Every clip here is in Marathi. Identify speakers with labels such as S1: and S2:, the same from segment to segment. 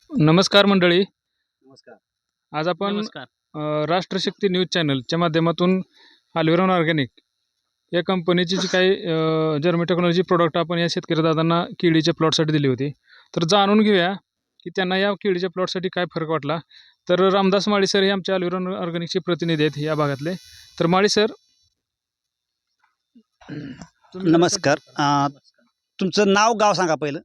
S1: नमस्कार मंडळी.
S2: नमस्कार.
S1: आज आपण
S3: नमस्कार.
S1: राष्ट्रशक्ती न्यूज चॅनलच्या माध्यमातून अल्विरॉन ऑर्गॅनिक या कंपनीची जी काही जर्मी टेक्नॉलॉजी प्रोडक्ट आपण या शेतकरी दादांना केळीच्या प्लॉटसाठी दिली होती. तर जाणून घेऊया की त्यांना या केळीच्या प्लॉटसाठी काय फरक वाटला. तर रामदास माळी सर हे आमच्या अल्विरॉन ऑर्गॅनिकचे प्रतिनिधी आहेत या भागातले. तर माळी सर,
S2: नमस्कार. तुमचं नाव गाव सांगा पहिलं.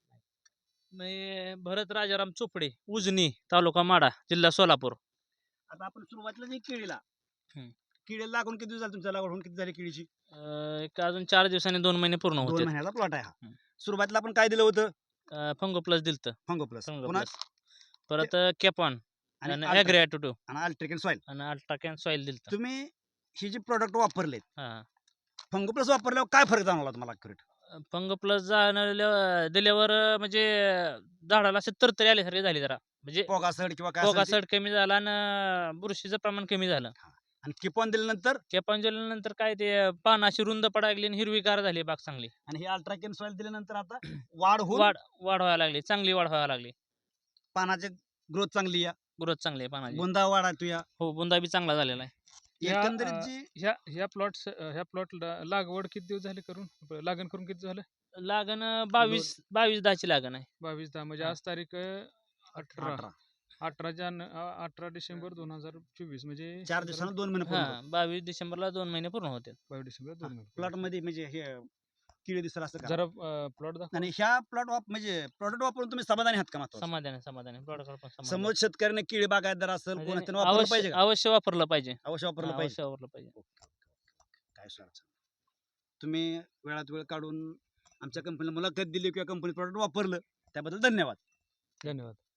S3: मी भरत राजाराम चोपडे, उजनी, तालुका माडा, जिल्हा सोलापूर.
S2: आता आपण सुरुवातीला जी केळीला
S3: हम्म.
S2: केळीला लागून किती दिवस झाले तुमच्या लागवड होऊन किती झाली केळीची?
S3: एक अजून 4 दिवसांनी 2 महिने पूर्ण
S2: 2
S3: होते.
S2: महिन्याचा प्लॉट आहे हा.
S3: हम्म.
S2: सुरुवातीला आपण काय दिलं होतं?
S3: फंगो प्लस दिलतं.
S2: फंगो प्लस
S3: फंगो
S2: पुन्हा
S3: प्लस. परत कॅपॉन
S2: आणि
S3: आणि
S2: अल्ट्रा-
S3: ॲग्रिॲटो
S2: आणि अल्ट्रिकन सॉइल.
S3: आणि अल्ट्राकॅन सॉइल दिलतं.
S2: तुम्ही ही जी प्रोडक्ट वापरलेत
S3: हां.
S2: फंगो प्लस वापरल्यावर काय फरक जाणवला तुम्हाला ॲक्युरेट?
S3: फंगो प्लस दिल्यावर म्हणजे झाडाला असे तरतरी आल्यासारखे झाली जरा. म्हणजे
S2: पोगासड किंवा काय असेल ते?
S3: पोगासड कमी झाला आणि बुरशीचं प्रमाण कमी झालं.
S2: आणि किपॉन दिल्यानंतर
S3: कॅपॉन दिल्यानंतर काय ते पानं अशी रुंद पडायला लागली आणि हिरवीगार झाली बाग चांगली.
S2: आणि हे अल्ट्राकेन सॉइल दिल्यानंतर आता वाढ होऊन
S3: वाढ व्हायला लागली, चांगली वाढ व्हायला लागली.
S2: पानाची ग्रोथ चांगली या
S3: ग्रोथ चांगली आहे पानाची.
S2: बुंदा वाढा तू या
S3: हो, बुंदा बी चांगला झालेला आहे.
S2: एकंदरीत जी
S1: ह्या प्लॉट लागवड किती दिवस झाले करून, लागण करून किती झालं?
S3: लागण 22/10 ची लागण आहे.
S1: 22/10 म्हणजे
S3: हा.
S1: आज तारीख 18
S2: 18
S1: 18 डिसेंबर 2024 म्हणजे
S2: 4 दिवसांना 2 महिने पूर्ण
S3: हा, 22 डिसेंबरला 2 महिने पूर्ण होते.
S1: 22 डिसेंबर 2 महिने.
S2: प्लॉट मध्ये म्हणजे हे किडी दिसत असं का?
S1: जरा प्लॉट दाखवा.
S2: आणि ह्या प्लॉट म्हणजे प्रोडक्ट वापरून तुम्ही समाधानी आहात का? महत्त्वाचं
S3: समाधान प्रोडक्ट पण समाधान.
S2: समोर शेतकऱ्याने किडी बागायतदार असेल
S3: म्हणजे
S2: कोणाचं वापरलं पाहिजे का?
S3: अवश्य वापरलं पाहिजे.
S2: अवश्य वापरलं
S3: हा,
S2: पाहिजे.
S3: अवश्य वापरलं पाहिजे.
S2: काय अडचण तुम्ही वेळात वेळ काढून आमच्या कंपनीला मुलाखत दिली किंवा कंपनी प्रोडक्ट वापरलं त्याबद्दल धन्यवाद.
S1: धन्यवाद.